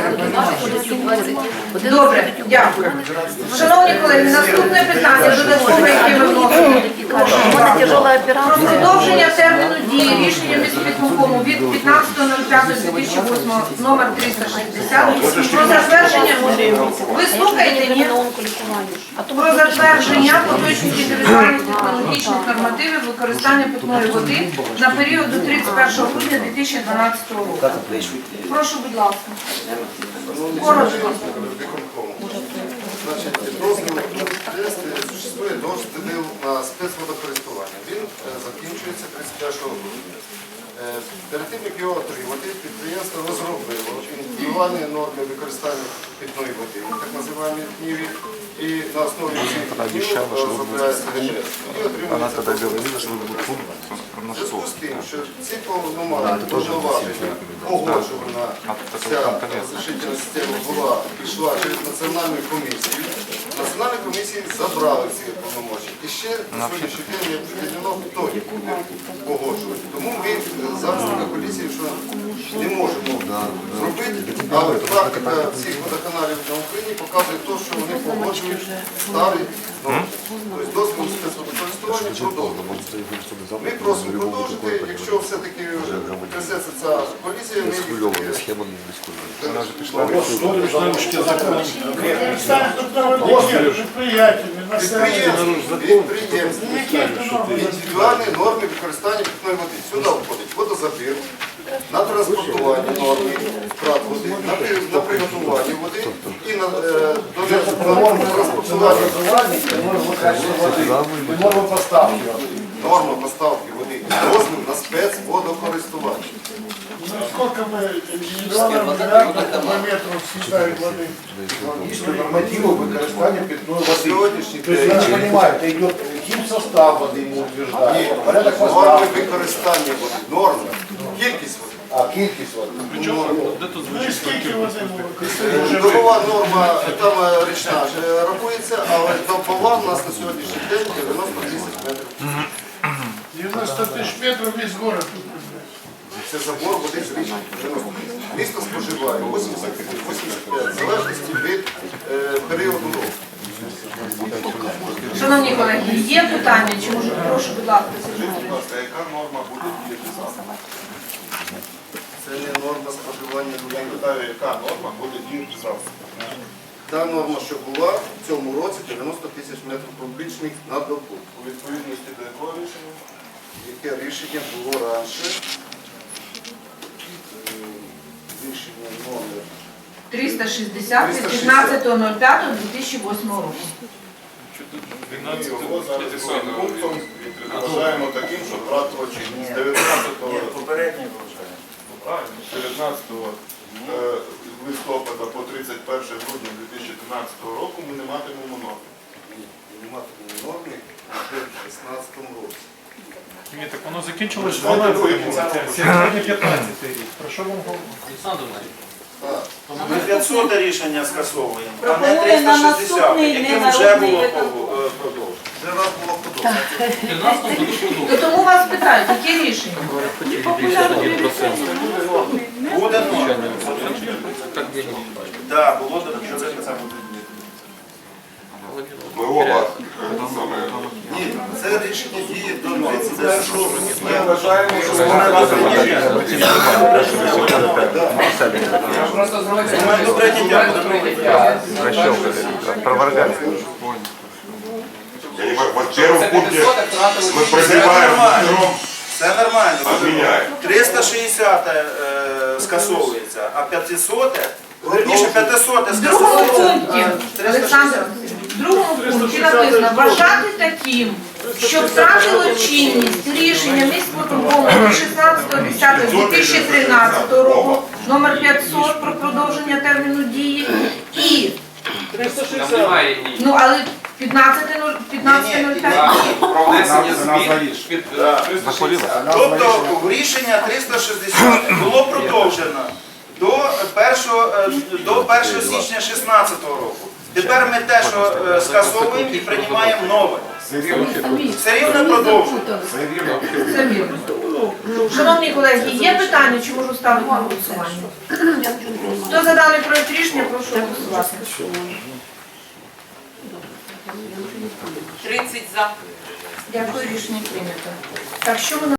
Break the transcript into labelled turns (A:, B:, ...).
A: Добре, дякую. Шановні колеги, наступне питання додаткове, яке ми вносимо. Про продовження терміну дії рішення міськвиконкому від 15.05.2008 номер 360 про затвердження, ви слухаєте, ні? Про затвердження поточних індивідуальних технологічних нормативів використання питної води на період до 31 грудня 2012 року. Прошу, будь ласка. Коротко.
B: Существує дозвіл на спецводокористування. Він закінчується 31 грудня. Перед тим, як його отримати, підприємство розробило індивідуальні норми використання питної води, так називаємо ТНІВі, і на основі цих ТНІВ розробляється ГНС. І отримується в зв'язку з тим, що ці повноваження погоджувана ця розрішительна система була, пішла через національну комісію. Національні комісії забрали ці повноваження. І ще на сьогоднішній день не определено, хто їх буде погоджувати. Тому ми зараз така поліція, що не можемо зробити, але практика всіх водоканалів на Україні показує те, що вони погоджують старі норми. Тобто дозвіл спецводокористування продовжується. Ми просимо продовжити, якщо все-таки трясеться ця поліція, ми їх підприємств, індивідуальні норми використання питної води. Сюди входить водозабір, на транспортування норми, втрат води, на приготування води і на транспортування
C: Норма поставки.
B: норма поставки води. Дозвіл на спецводокористування.
C: Сколько мы индивидуально метров съедает воды?
D: Есть нормативы використання питної води.
B: Сьогоднішній
D: То есть, я не понимаю, это идет химсостав воды ему утверждает, порядок
B: норми
D: поставки,
B: використання води, норми, кількість води.
D: а кількість води.
C: Ну и сколько воды мы використовуємо?
B: Добова норма, там річна ж рахується, але добова у нас на сьогоднішній день 90 тисяч метрів.
C: 90 тысяч метров весь город.
B: Це забор води з річки. Місто споживає 80-85, в залежності від періоду року.
A: Шановні колеги, є питання? Чи може, прошу, будь ласка, Сергій
B: Будь ласка, яка норма буде діяти завтра? Це не норма споживання людей.
E: Яка норма буде діяти завтра?
B: Та норма, що була в цьому році, 90 тисяч метрів кубічних на добу.
E: У відповідності до якого рішення?
B: Яке рішення було раніше? Рішення номер
A: 360 від 15.05.2008 року.
E: Ми його зараз другим пунктом вважаємо таким, що втратило чинність. З 19 листопада по 31 грудня 2013 року ми не матимемо норми.
B: Не матимемо норми в 2016 році.
F: Ні, так воно закінчилось 12 році, сьогодні 15 рік. Про що вам говорити?
G: Ми 500 рішення скасовуємо, а не
H: Пропонує на
G: 360,
H: наступний
G: яким вже було
H: ненародний
G: продовжено.
B: Вже раз було подобається.
A: То тому вас питають, яке рішення?
G: Буде норма. Так, було до
E: Ми оба.
B: Ні, це рішення діє до 31 грудня.
E: Ми вважаємо, що вона
G: до прийняття.
E: в первом пункте мы прозеваем втором,
G: Це нормально.
E: отменяем.
G: 360 скасовується, а 500, верніше 500
A: В другому
G: скасовується.
A: пункті, Олександр, в другому пункті написано вважати таким, що втратило чинність рішення міськвиконкому від 16.10.2013 року номер 500 про продовження терміну дії і ну але 15.05.
I: Про внесення змін під
G: Тобто рішення 360 було продовжено до 1 січня 2016 року. Тепер ми те, що скасовуємо і приймаємо нове. Все рівно продовжуємо.
A: Це вірно. Шановні колеги, є питання, чи можу ставити на голосування? Хто за даний проект рішення, прошу голосувати.
H: 30 за.
A: Дякую, рішення прийнято. Так, що ми